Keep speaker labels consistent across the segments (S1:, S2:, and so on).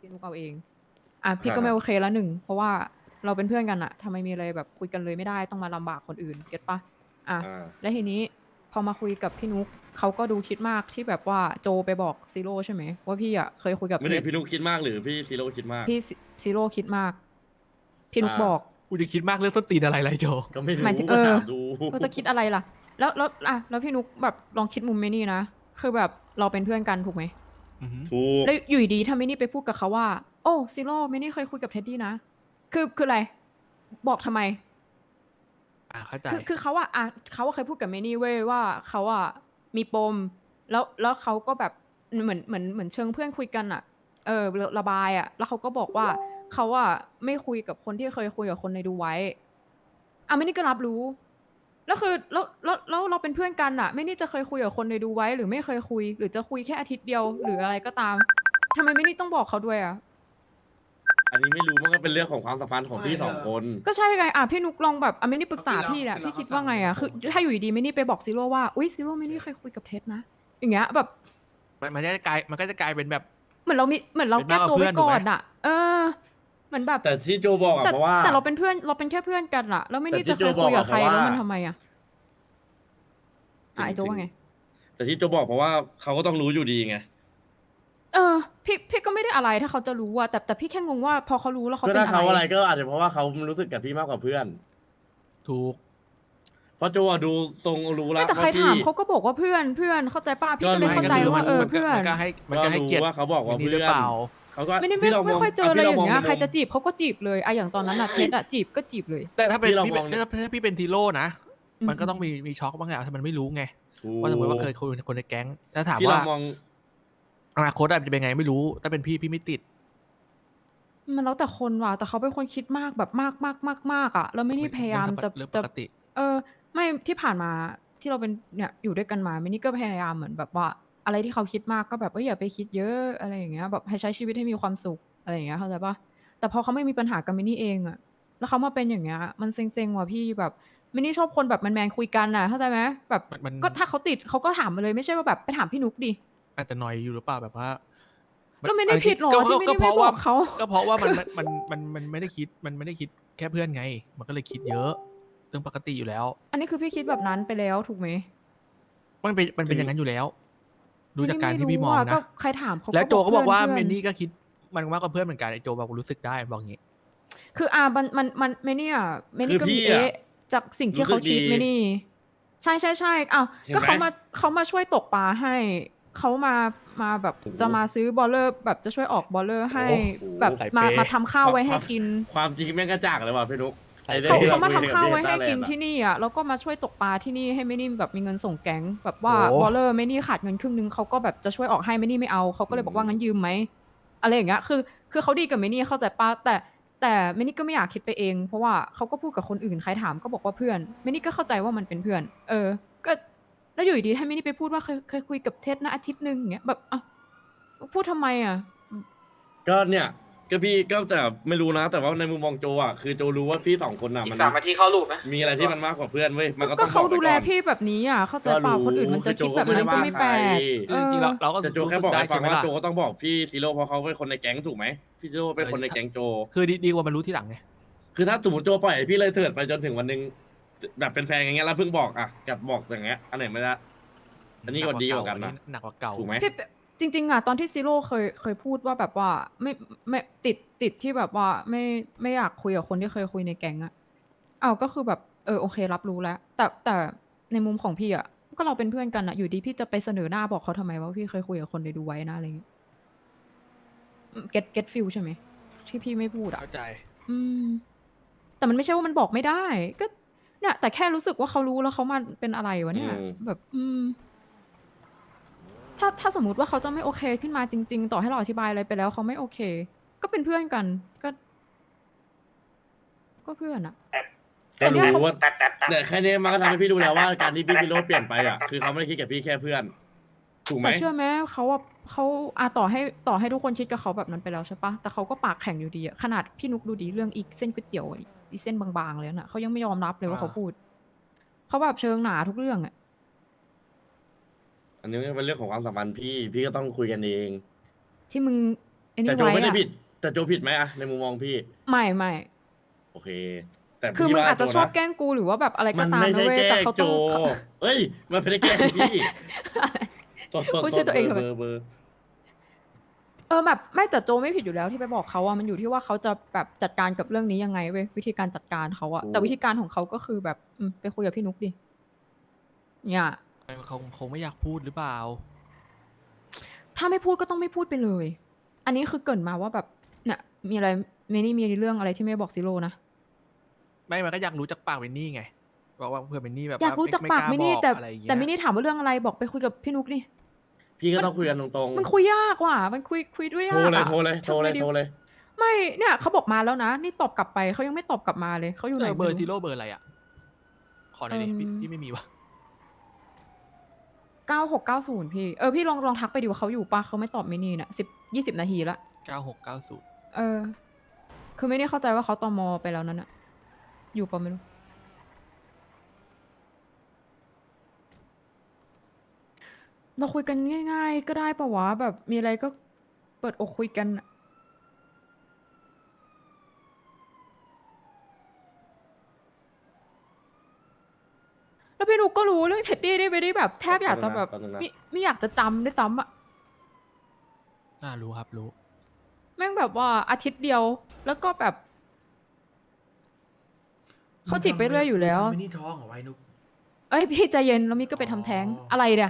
S1: พี่นุกเอาเองพี่ก็ไม่โอ
S2: ครับ
S1: เคแล้วหนึ่งเพราะว่าเราเป็นเพื่อนกันอะทำไมมีอะไรแบบคุยกันเลยไม่ได้ต้องมาลำบากคนอื่นเก็ตปะ
S2: อ่า
S1: แล้วทีนี้พอมาคุยกับพี่นุกเขาก็ดูคิดมากที่แบบว่าโจไปบอกซีโร่ใช่ไหมว่าพี่อะเคยคุยกับ
S2: ไม่
S1: เพชร
S2: ถึงพี่นุกคิดมากหรือพี่ซีโร่คิดมาก
S1: พี่ซีโร่คิดมากพี่นุกบอก
S3: กูจะคิดมากเรื่องส้นตีนอะไรไรโจ
S2: ก็ไม่รู้
S1: หมายถึง
S2: ก็ถามดู
S1: ก็จะคิดอะไรล่ะแล้วพี่นุกแบบลองคิดมุมเมนี่นะคือแบบเราเป็นเพื่อนกันถูกไหม
S3: อือหือ
S2: ถูก
S1: แล้วอยู่ดีๆถ้ามินี่ไปพูดกับเขาว่าโอ้ซีโร่มินี่เคยคุยกับเท็ดดี้นะคืออะไรบอกทำไม
S3: เข้าใจ
S1: คือเขาเขาเคยพูดกับมินี่เว้ยว่าเขามีปมแล้วเขาก็แบบเหมือนเชิงเพื่อนคุยกันระบายแล้วเขาก็บอกว่าเขาไม่คุยกับคนที่เคยคุยกับคนในดูไว้มินี่ก็รับรู้แล้วคือแล้วเราเป็นเพื่อนกันมินี่จะเคยคุยกับคนในดูไว้หรือไม่เคยคุยหรือจะคุยแค่อาทิตย์เดียวหรืออะไรก็ตามทำไมมินี่ต้องบอกเขาด้วย
S2: อันนี้ไม่รู้มันก็เป็นเรื่องของความสัมพันธ์ของพี่สองคน
S1: ก็ใช่ไงพี่นุกลองแบบไม่ได้ปรึกษาพี่แหละพี่คิดว่าไงคือถ้าอยู่ดีๆไม่นี่ไปบอกซีโร่ว่าอุ้ยซีโร่ไม่นี่เคยคุยกับเท็ดนะอย่างเงี้ยแบบ
S3: มันก็จะกลายเป็นแบบ
S1: เหมือนเราแก้ตัวไว้ก่อนเหมือนแบบ
S2: แต่ที่โจบอก
S1: แต่
S2: เพราะว่า
S1: แต่เราเป็นเพื่อนเราเป็นแค่เพื่อนกันแล้วไม่
S2: แต่
S1: นี่จะ
S2: ที่โจบ
S1: เคยคุยกับใคร
S2: อกเพราะว่า
S1: แล้วมันทำไม
S2: จริงจริง
S1: ไอโจว่าไง
S2: แต่ที่โจบอกเพราะว่าเขาก็ต้องรู้อยู่ดีไง
S1: เออพี่ก็ไม่ได้อะไรถ้าเขาจะรู้แต่พี่แค่งงว่าพอเขารู้แล้วเขา
S2: ก็
S1: เป็นอะไร
S2: ถ้าเขาอะไรก็อาจจะเพราะว่าเขารู้สึกกับพี่มากกว่าเพื่อน
S3: ถูก
S2: เพราะโจดูทรงรู้
S1: ไม่
S2: แล้ว
S1: แต่ใคร
S2: ว่าพี่
S1: ถามเขาก็บอกว่าเพื่อนเข้าใจป่ะพี่
S2: ก็รู้
S1: ก็เลยเข้าใจว่า
S3: มันก็
S1: เพื่อน
S3: มันก็ให้
S2: รู้
S3: เกียรติ
S2: ว่าเขาบอกว่า
S3: นี่
S2: เพื่อน
S3: หรือเปล่า
S2: เขาก็
S1: ไม่ได้
S2: พี่ลองมอง
S1: ไม่ค่อยเจออะไร
S2: พี่ล
S1: อย่างเงี้ยใคร
S2: มองในมุม
S1: จะจีบเขาก็จีบเลยอย่างตอนนั้นเท็ดจีบก็จีบเลย
S3: แต่ถ้าเป็น
S2: พี่ลอง
S3: พี่
S2: มอง
S3: ถ้าพี่เป็นทีโร่นะ
S1: อืม
S3: มันก็ต้องมีช็อกบางอย่างถ้ามันไม่รู้ไง
S2: ถู
S3: ว่าสมมติว่าเค
S2: ก
S3: ยคุยกับคนในแก๊งถ้าถามว่า
S2: พี่ลองมอง
S3: อนาคตจะเป็นไงไม่รู้ถ้าเป็นพี่ไม่ติด
S1: มันแล้วแต่คนว่ะแต่เขาเป็นคนคิดมากแบบมากแล้วไม่ได้พยายามจะ
S3: เรื่องปกติ
S1: เออไม่ที่ผ่านมาที่เราเป็นเนี่ยอยู่ด้วยกันมาไม่นี่ก็พยายามเหมือนแบบว่าอะไรที่เขาคิดมากก็แบบอย่าไปคิดเยอะอะไรอย่างเงี้ยแบบให้ใช้ชีวิตให้มีความสุขอะไรอย่างเงี้ยเข้าใจปะแต่พอเขาไม่มีปัญหากับมินนี่เองแล้วเขามาเป็นอย่างเงี้ยมันเซ็งๆว่ะพี่แบบมินนี่ชอบคนแบบแมนๆคุยกันเข้าใจไหมแบบ
S3: มัน
S1: ก็ถ้าเขาติดเขาก็ถามมาเลยไม่ใช่ว่าแบบไปถามพี่นุกดิ
S3: อาจจะนอยอยู่หรือเปล่าแบบว่า
S1: แล้วไม่ได้ผิดหรอที่ไม่
S3: ก็
S1: ได้
S3: เพราะว่า
S1: ไม่บอกเขา
S3: ก็เพราะว่ามันไม่ได้คิดมันไม่ได้คิดแค่เพื่อนไงมันก็เลยคิดเยอะเรื่องปกติอยู่แล้ว
S1: อันนี้คือพี่คิดแบบนั้นไปแล้วถูกไหม
S3: มันเป็นอย่างนั้นอยู่แล้วดูจากการที่
S1: ไม่รู้
S3: พี่มอง
S1: ก็
S3: นะ
S1: ใครถามเขา
S3: แล้วโจ
S1: ก็บอก
S3: ก็บอกว่า
S1: เพื่อนเพื่อน
S3: เมนนี่ก็คิดมันมากกว่าเพื่อนเหมือนกันไอโจบอกรู้สึกได้บอกงี้
S1: คือมันไม่เนี่ยไม่
S2: คือ
S1: นี่ก็มี
S2: พี่
S1: จากสิ่งที่
S2: รู้สึกดี
S1: เขาคิดไม่นี่ใช่
S2: เห็นไหม
S1: ก็เขามาช่วยตกปลาให้เขามาแบบ
S2: โอ้โห
S1: จะมาซื้อบอลเลอร์แบบจะช่วยออกบอลเลอร์ให้
S2: โอ้โห
S1: แบบ
S3: ใส่เป
S1: มาทำข้าวไว้ให้กิน
S2: ความจริงแม่งกระจ่างเลยว่ะพี่นุ๊กไอ้เรื่อ
S1: เขา
S2: งที่เรา
S1: เขามาทำ
S2: คุยกันกับพี่เฮ
S1: ข้าวไว้ให้
S2: ต้าแลนด์อ่ะ
S1: กินที่นี่แล้วก็มาช่วยตกปลาที่นี่ให้ไม่นี่แบบมีเงินส่งแก๊งแบบว่า
S3: โอ้
S1: บอลเลอร์ไม่นี่ขาดเงินครึ่งนึงเขาก็แบบจะช่วยออกให้ไม่นี่ไม่เอาเขาก็เลยบอกว่างั้นยืมไหมอะไรอย่างเงี้ยคือเขาดีกับไม่นี่เข้าใจปะแต่ไม่นี่ก็ไม่อยากคิดไปเองเพราะว่าเขาก็พูดกับคนอื่นใครถามก็บอกว่าเพื่อนไม่นี่ก็เข้าใจว่ามันเป็นเพื่อนก็แล้วอยู่ดีๆให้ไม่นี่ไปพูดว่าเคยคุยกับเท็ดนะอาทิตย์นึงอย่างเงี้ยแบบพูดทำไม
S2: ก็เนี่ยก็พี่ก็แต่ไม่รู้นะแต่ว่าในมุมมองโจอ่ะคือโจรู้ว่าพี่สองคนอ่ะมันมีอะไรที่มันมากกว่าเพื่อนเว้ยมันก็
S1: ก็
S2: ต้องบ
S1: เขาดูแล
S2: อกไปก่อน
S1: พี่แบบนี้เข้าใจ
S2: ก็รู้
S1: เปล่าคนอื่นมัน
S2: คือโจ
S1: จะคิดแบบ
S2: ก็ไม่ได้ว่า
S1: นั้นก็ไม่
S2: ใคร
S1: แปลก
S3: คือจริงๆเราก็
S2: แต่โจ
S3: รู้สึก
S2: แค่บอกให้ฟั
S3: ได้ใช่ไหมล่ะ
S2: งว่าโจก็ต้องบอกพี่ซีโร่เพราะเขาเป็นคนในแก๊งถูกไหมพี่โจเป็นคนในแก๊งโจ
S3: คือดีกว่ามันรู้ที่หลังไง
S2: คือถ้าสมมติโจปล่อยให้พี่เลยเถิดไปจนถึงวันหนึงแบบเป็นแฟนอย่างเงี้ยแล้วเพิ่งบอกกับบอกอย่างเงี้ยอันไหนไม่ได้อันนี้ก็ดีกว่ากันนะ
S3: หนักกว่าเก่า
S2: ถูกไหม
S1: พี่จริงๆตอนที่ซีโร่เคยพูดว่าแบบว่าไม่ติดที่แบบว่าไม่อยากคุยกับคนที่เคยคุยในแก๊งก็คือแบบโอเครับรู้แล้วแต่ในมุมของพี่ก็เราเป็นเพื่อนกันอยู่ดีพี่จะไปเสนอหน้าบอกเขาทำไมว่าพี่เคยคุยกับคนในดูไว้นะอะไรอย่างเงี้ยget feel ใช่ไหมที่พี่ไม่พูด
S3: เข้าใจ
S1: อืมแต่มันไม่ใช่ว่ามันบอกไม่ได้ก็เนี่ยแต่แค่รู้สึกว่าเขารู้แล้วเขามาเป็นอะไรวะ
S2: อื
S1: เนี่ย
S2: ม
S1: แบบถ้าสมมุติว่าเขาจะไม่โอเคขึ้นมาจริงๆต่อให้เราอธิบายอะไรไปแล้วเขาไม่โอเคก็เป็นเพื่อนกันก็เพื่อน
S2: ก็รู้
S1: แต่เนี่ยเขา
S2: ว่าแต่แค่นี้มันก็ทำให้พี่รู้แล้วว่าการที่พี่ซิโร่เปลี่ยนไปคือเขาไม่ได้คิดกับพี่แค่เพื่อนถูกไหม
S1: แต่เชื่อไหมเขาต่อให้ทุกคนคิดกับเขาแบบนั้นไปแล้วใช่ปะแต่เขาก็ปากแข็งอยู่ดีขนาดพี่นุกดูดีเรื่องอีกเส้นก๋วยเตี๋ยวอีเส้นบางๆเลยน่ะเขายังไม่ยอมรับเลยว่าเขาพูดเขาแบบเชิงหนาทุกเรื่อง
S2: อันนี้เป็นเรื่องของความสัมพันธ์พี่ก็ต้องคุยกันเอง
S1: ที่มึงไอ้นี่
S2: แต่โจ
S1: ไว้
S2: ไม่ได้
S1: อะ
S2: ผิด แต่โจผิดไหมอะในมุมมองพี่
S1: ไม่
S2: โอเค แต่
S1: คือ
S2: พี่
S1: มึง
S2: ว่า
S1: อาจจะ
S2: โจ
S1: ชอบ
S2: นะ
S1: แกล้งกูหรือว่าแบบอะไร
S2: มั
S1: ก็
S2: น
S1: ตาม
S2: ไม่
S1: นะ
S2: ใช่
S1: เว้ย
S2: แกล้
S1: แต่
S2: ง
S1: เขา
S2: โจ
S1: ต้องเขา
S2: เอ้ยมันไม่ได้แกล้งพี่โทษ
S1: พูดชื่อตัวเองทำไม
S2: เบอร์
S1: แบบไม่แต่โจไม่ผิดอยู่แล้วที่ไปบอกเขาอะมันอยู่ที่ว่าเขาจะแบบจัดการกับเรื่องนี้ยังไงเว้ยวิธีการจัดการเขาอะแต่วิธีการของเขาก็คือแบบไปคุยกับพี่นุกดิเนี่ย
S3: เขาคงไม่อยากพูดหรือเปล่า
S1: ถ้าไม่พูดก็ต้องไม่พูดไปเลย อันนี้คือเกรินมาว่าแบบเนี่ยมีอะไรเมนี่มีเรื่องอะไรที่ไม่บอกซิโร่นะ
S3: ไม่มันก็อยากรู้จากปากเวนนี่ไงบอกว่าเพื่อนเวนนี่แบบ
S1: อยากรู้จักปาก
S3: ล้
S1: เมนี่
S3: บอก
S1: แต่
S3: อะไรอย่างเงี้ย
S1: แต่เมนี่ถามว่าเรื่องอะไรบอกไปคุยกับพี่นุกดิ
S2: พี่ก็ต้องคุยกันตรง
S1: มันคุยยากว่ะมันคุยด้วย
S2: ๆ
S1: ยา
S2: โทร
S1: ก
S2: เลย
S1: อะ
S2: โทรเลย
S1: ไม่เนี่ยเขาบอกมาแล้วนะนี่ตอบกลับไปเขายังไม่ตอบกลับมาเลยเขาอยู่ไหน
S3: เบอร์
S1: ไม่
S3: ซีโร่เบอร์อะไรอ่ะ ขอหน่อยดิพี่ไม่มีวะ
S1: 9690พี่พี่ลองทักไปดิว่าเขาอยู่ปะเขาไม่ตอบเมนี่น่ะ20 นาทีละ
S3: 9690
S1: คือไม่ได้เข้าใจว่าเขาตมไปแล้วนั่นอะอยู่ปะไม่รู้เราคุยกันง่ายๆก็ได้ปะวะแบบมีอะไรก็เปิดอกคุยกันอะแล้วพี่นุกก็รู้เรื่องเท็ดดี้ได้ไม่ได้แบบแทบอยากจะแบบ
S2: แป๊บนึงนะ
S1: ไม่อยากจะจำด้วยซ้ำอะ
S3: รู้ครับรู้
S1: แม่งแบบว่าอาทิตย์เดียวแล้วก็แบบเขาจีบไปเรื่อยอยู่แล้ว
S4: ไม่นี่ท้องเหรอไว้นุก
S1: เอ้ยพี่ใจเย็นแล้วมิกก็ไปทำแท้ง
S4: อ๋ออ
S1: อะไรเนี่ย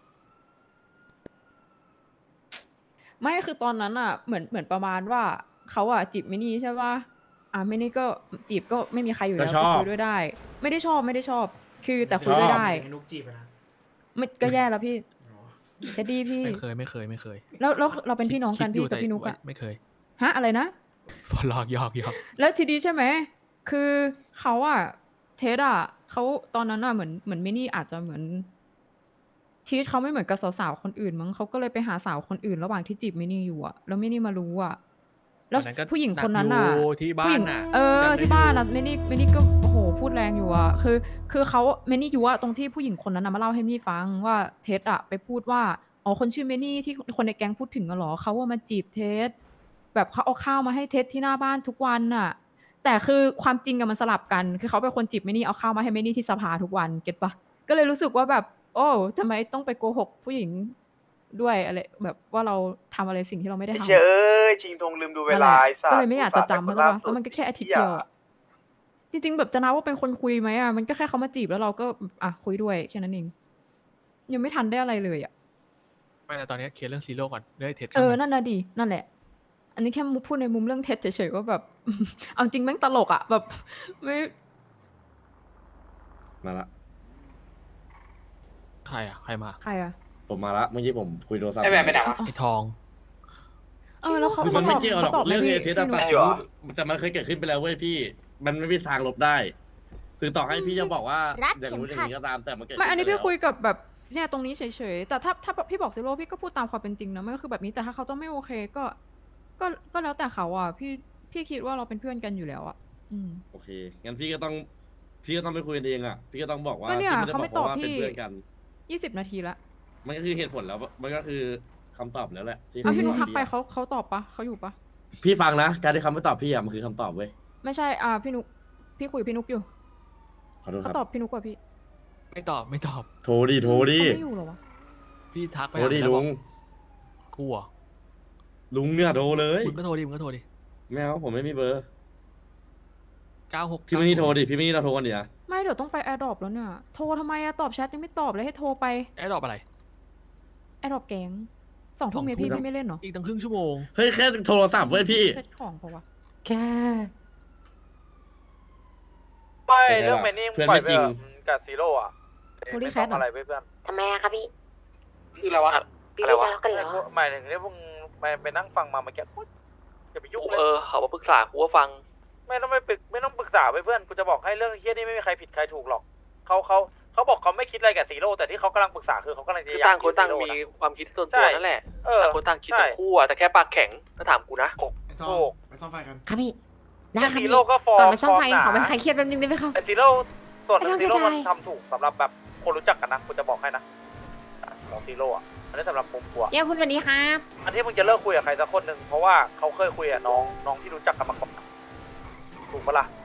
S1: ไม่คือตอนนั้นอ่ะเหมือนประมาณว่าเขาอ่ะจีบมินี่ใช่ป่ะมินี่ก็จีบก็ไม่มีใครอยู่แล้ว
S2: ก็ชอบ
S1: คุยด้วยได้ ไม่ได้ชอบ คือแต่คุยด้วยได้
S4: ให้นุกจีบอะนะ
S1: ไม่ก็แย่แล้วพี่
S4: อ๋อ
S1: เท็ดดี้พี่
S3: ไม่เคย
S1: แล้วเราเป็นพี่น้องกัน
S3: คิด
S1: พี่
S3: ยู่
S1: กับพี่นุกอะ
S3: ไม่เคย
S1: ฮะอะไรนะ
S3: หลอกหยอก
S1: แล้วทีนี้ใช่ไหม คือเขาอะเทสอะเขาตอนนั้นอะเหมือนมินี่อาจจะเหมือนทีสเขาไม่เหมือนกับสาวๆคนอื่นมั้งเขาก็เลยไปหาสาวคนอื่นระหว่างที่จีบมินี่อยู่อะแล้วมินี่มารู้อะแล้ว
S3: วันนั้นก็
S1: ผู้หญิงคนนั้นอะ
S3: หนักอยู่ที่บ้าน
S1: ผู้หญิง
S3: น่ะ
S1: ที่
S3: จำได้
S1: บ้าน
S3: อยู่
S1: อะมินี่ก็โอ้โหพูดแรงอยู่อะคือเขามินี่อยู่อะตรงที่ผู้หญิงคนนั้นอะมาเล่าให้มินี่ฟังว่าเทสอะไปพูดว่าอ๋อคนชื่อมินี่ที่คนในแก๊งพูดถึงอะเหรอเขาว่ามาจีบเทส แบบเขาเอาข้าวมาให้เท็ดที่หน้าบ้านทุกวันน่ะ แต่คือความจริงกับมันสลับกัน คือเขาเป็นคนจีบเมนี่เอาข้าวมาให้เมนี่ที่สภาทุกวันเก็ตปะก็เลยรู้สึกว่าแบบ โอ้ทำไมต้องไปโกหกผู้หญิงด้วยอะไรแบบว่าเราทำอะไรสิ่งที่เราไม่ได้
S5: ไอ้
S1: ทำ
S5: เชี่ยเอ้ยชิงธงลืมดูเวลาไอ้สัตว์
S1: ก็เลยไม่อยากจะจำ
S5: อุ
S1: เขา
S5: ต
S1: ใช่
S5: ส่าห์
S1: ปะแล้วมันก็แค่อาทิตย์เดียวอะจริงๆแบบจะนับว่าเป็นคนคุยไหมอะมันก็แค่เขามาจีบแล้วเราก็คุยด้วยแค่นั้นเองยังไม่ทันได้อะไรเลยอะ
S3: ไม่แต่ตอนนี้เคลียร์เรื่องซีโร่ก่อนเรื่องไอ้เท็ด
S1: นั่นน่ะดินั่นแหละ อันนี้แค่พูดในมุมเรื่องเท็จเฉยๆว่าแบบ เอาจริงแม่งตลกอะแบบไม่
S2: มาละ
S3: ใครอ่ะใครมา
S1: ใครอะ
S2: ผมมาละเมื่อกี้ผมคุยโทรศัพท์
S5: ไอ้แหวนไปไหนวะ
S3: ไอ้ทอง
S1: แล้วเขา
S2: คือมันไม่เกี่ยวหรอก
S1: ขาตบ
S2: เรื่อง
S1: ไหม
S2: เอเทส
S1: พี่
S2: ตัด
S1: นุ๊ก
S2: ทิ้งแต่มันเคยเกิดขึ้นไปแล้วเว้ยพี่ มันไม่มีทางลบได้ คือต่อให้พี่จะบอกว่า
S6: รัด
S2: อย่าง
S6: เข็ม
S2: นู้นอย่า
S6: ขั
S2: ง
S6: ด
S2: นี้ก็ตามแต่มันเกิด
S1: ไม่อันนี้
S2: ขึ้
S1: พี่
S2: ปแล้ว
S1: คุยกับแบบเนี่ยตรงนี้เฉยๆแต่ถ้าพี่บอกซิโร่พี่ก็พูดตามความเป็นจริงนะมันก็คือแบบนี้แต่ถ้าเขาจะไม่โอเคก็แล้วแต่เขาอะพี่คิดว่าเราเป็นเพื่อนกันอยู่แล้วอะ
S2: โอเคงั้นพี่ก็ต้องไปคุยกันเองอ่ะพี่ก็ต้องบอกว่า
S1: ก็เนี่ย
S2: พี่ไม่ได้
S1: เขา
S2: บ
S1: ไม่
S2: อกว่าเป็น
S1: ตอบพี่
S2: เพื่อนกัน
S1: 20 นาทีละ
S2: มันก็คือเหตุผลแล้วมันก็คือคำตอบแล้วแหละที่
S1: พี่นุ๊ก
S2: เขา
S1: ทักไป
S2: พี่อะ
S1: เขาตอบปะเขาอยู่ปะ
S2: พี่ฟังนะการที่เขาไม่ตอบพี่อ่ะมันคือคำตอบเว้ย
S1: ไม่ใช่พี่นุ๊กพี่คุยกับพี่นุ๊กอยู่
S2: ขอโทษค
S1: เขา
S2: รับ
S1: ตอบพี่นุ๊กกว่าพี่
S3: ไม่ตอบ
S2: โทรดิ
S1: เขาไม่อยู่เหรอวะ
S3: พี่ทักไป
S2: โทรดิ
S3: หาแล้ว
S2: ลุ
S3: บอก
S2: ง
S3: กลัว
S2: ลุงเนี่ยโทรเลย
S3: มึงก็โทรดิ
S2: ไม่เอาผมไม่มีเบอร์
S3: 96
S2: พี่ไม่นี่โทรดิพี่ไม่นี่เราโทรกันดิอะ
S1: ไม่เดี๋ยวต้องไปแอร์ดรอปแล้วเนี่ยโทรทำไมอะตอบแชทยังไม่ตอบเลยให้โทรไป
S3: ไอ้ดอกอะไร
S1: แอร์ดรอปแก๊ง2 ทุ่มเนี่ยพี่ไม่เล่นเหรอ
S3: อีกตั้งครึ่งชั่วโมง
S2: เฮ้ยแค่โทรศัพท์เว้ยพี่
S1: เซ็ตของปะวะ
S2: แค่
S5: ไม่เรื่องแมนนี่
S2: เพื่อน
S5: ปล่อย
S2: ไม่
S5: ไป
S2: จริง
S5: กับซีโร่อะ
S1: โทรดิแคทเหรอ
S5: อะไรไปเพื่อน
S6: ทำไมอะคะพี่
S5: คืออะไรวะ
S6: พี่ไม่ทะเลาะกันเหรอ
S5: หมายถึงที่พวกไปนั่งฟังมาเมื่อกี้อย่าไปยุ่งเลย
S7: เขามาปรึกษากูก็ฟัง
S5: ไม่ต้องปรึกษาไปเพื่อนกูจะบอกให้เรื่องเฮี้ยนี่ไม่มีใครผิดใครถูกหรอกเขาบอกเขาไม่คิดอะไรกับซีโร่แต่ที่เขากำลังปรึกษาคือเขากำลังจะ
S7: คือ
S5: อยาก
S7: ต่างคนต่าง
S5: ซีโร่
S7: มี
S5: นะ
S7: ความคิดส่วน
S5: ใช่
S7: ตัวนั่นแหละ ต่างคนต่างคิด
S5: ใช่
S7: ทั้งคู่อะแต่แค่ปากแข็งถ้าถามกูนะ
S4: ไปซ่อ
S5: ถู
S4: ม
S5: ก
S4: ไปซ่อมไฟกัน
S6: ครับพี่ ได้ครับ
S5: ซี
S6: พี่
S5: โร่ก็ฟอร์
S6: ก่อนไปซ่อมไฟ
S5: หนา
S6: ขอไปใครเครียดแป๊บนึงได้ไหมครับ
S5: แต่ซีโร่ส่วนหนึ่ง
S6: ไม่
S5: ซี
S6: ต้อง
S5: โร่มัน
S6: เสียดาย
S5: ทำถูกสำหรับแบบคนรู้จักกันนะคุณจะบอกให้นะของซีโร่อะอันนี้สำหรับผมกลัว
S6: เย้คุณสวัสดีครับ
S5: อันที่มึงจะเลิกคุยกับใครสักคนหนึ่งเพราะว่าเขาเคยคุยกับน้องที่รู้จักกันมาก่อนถูกปะล่ะ